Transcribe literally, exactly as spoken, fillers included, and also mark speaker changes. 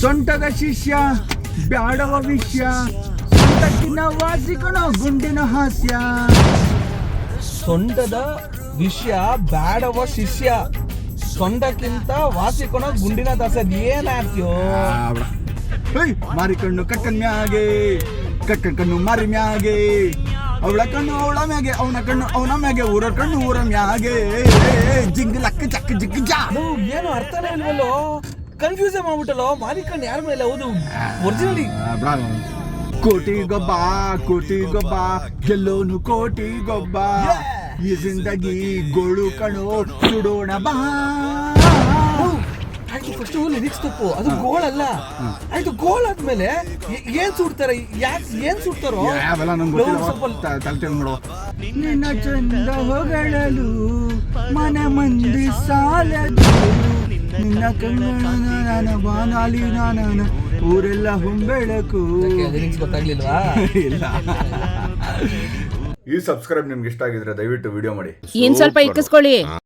Speaker 1: ಸೊಂಟದ ಶಿಷ್ಯ ಬ್ಯಾಡವ ವಿಷಯ ಸೊಂಟಕ್ಕಿನ ವಾಸಿಕಣ ಗುಂಡಿನ ಹಾಸ್ಯ.
Speaker 2: ಸೊಂಟದ ವಿಷಯ ಬ್ಯಾಡವ ಶಿಷ್ಯ ಸೊಂಟಕ್ಕಿಂತ ವಾಸಿಕೊಣ ಗುಂಡಿನ ದಸದ್ ಏನ್ ಆಡ್ತೀಯೋ?
Speaker 1: ಮಾರಿ ಕಣ್ಣು ಕಕ್ಕನ್ ಮ್ಯಾಗೆ ಕಕ್ಕನ್ ಕಣ್ಣು ಮಾರಿ ಮ್ಯಾಗೆ ಅವಳ ಕಣ್ಣು ಅವಳ ಮ್ಯಾಗೆ ಅವನ ಕಣ್ಣು ಅವನ ಮ್ಯಾಗೆ ಊರ ಕಣ್ಣು ಊರ ಮ್ಯಾಗೆ ಜಿಂಗ್ ಲಕ್ಕ ಚಕ್ಕ ಜಿಗ್ ಜಾ.
Speaker 2: ಏನು ಅರ್ಥನೇ ಇಲ್ವಲ್ಲೋ, ಕನ್ಫ್ಯೂಸ್ ಮಾಡ್ಬಿಟ್ಟಲ್ಲೋ. ಮಾರಿಕಣ್ಣು ಯಾರ ಮೇಲೆ? ಹೌದು ಒರಿಜಿನಲಿ
Speaker 1: ಕೋಟಿ ಗೊಬ್ಬ ಕೋಟಿ ಗೊಬ್ಬ ಗೆಲ್ಲೋನು ಕೋಟಿ ಗೊಬ್ಬ ಈ ಜಿಂದಗಿ ಗೋಳು ಕಣೋ ಸುಡೋಣ ಬಾ.
Speaker 2: ಆಯ್ತು, ಫಸ್ಟ್ ಲಿರಿಕ್ಸ್ ತಪ್ಪು, ಅದು ಗೋಲ್ ಅಲ್ಲ. ಆಯ್ತು, ಗೋಲ್ ಆದ್ಮೇಲೆ ಏನ್ ಸುಡ್ತಾರೆ? ಯಾಕೆ ಏನ್ ಸುಡ್ತಾರೋ
Speaker 1: ಯಾವೆಲ್ಲ ನಂಗೆ ತಲೆ ನೋಡು. ನಿನ್ನ ಚಂದ ಹೊಗಳಲು ಮನ ಮಂದಿ ಸಾಲದು ನಿನ್ನ ಕಣ್ಣ ಬಾನಾಲಿ ನಾನ ಊರೆಲ್ಲ ಹೊಂಬೆಳಕು.
Speaker 2: ಲಿರಿಕ್ಸ್ ಗೊತ್ತಾಗ್ಲಿಲ್ವಾ?
Speaker 1: ಇಲ್ಲ.
Speaker 3: ಈ ಸಬ್ಸ್ಕ್ರೈಬ್ ನಿಮ್ಗೆ ಇಷ್ಟ ಆಗಿದ್ರೆ ದಯವಿಟ್ಟು ವಿಡಿಯೋ ಮಾಡಿ.
Speaker 4: ಇನ್ ಸ್ವಲ್ಪ ಇಕ್ಕಿಸ್ಕೊಳ್ಳಿ.